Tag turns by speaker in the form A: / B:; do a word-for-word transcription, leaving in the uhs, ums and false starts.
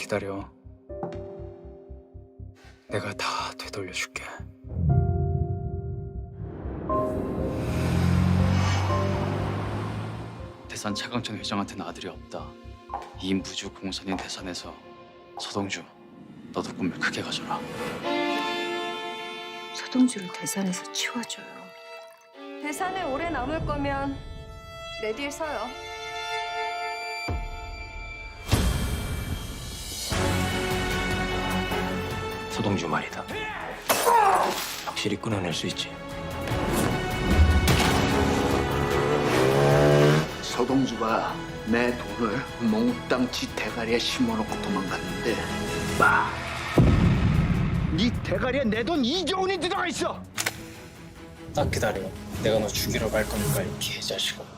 A: 기다려. 내가 다 되돌려줄게. 대산 차강천 회장한테는 아들이 없다. 이 무주 공산인 대산에서 서동주, 너도 꿈을 크게 가져라.
B: 서동주를 대산에서 치워줘요.
C: 대산에 오래 남을 거면 내 뒤에 서요.
D: 서동주 말이다. 확실히 끊어낼 수 있지.
E: 서동주가 내 돈을 몽땅 지 대가리에 심어놓고 도망갔는데 마! 네 대가리에 내 돈 이조 원이 들어가 있어!
F: 딱 기다려. 내가 너 죽이러 갈 거니까 이 개자식아.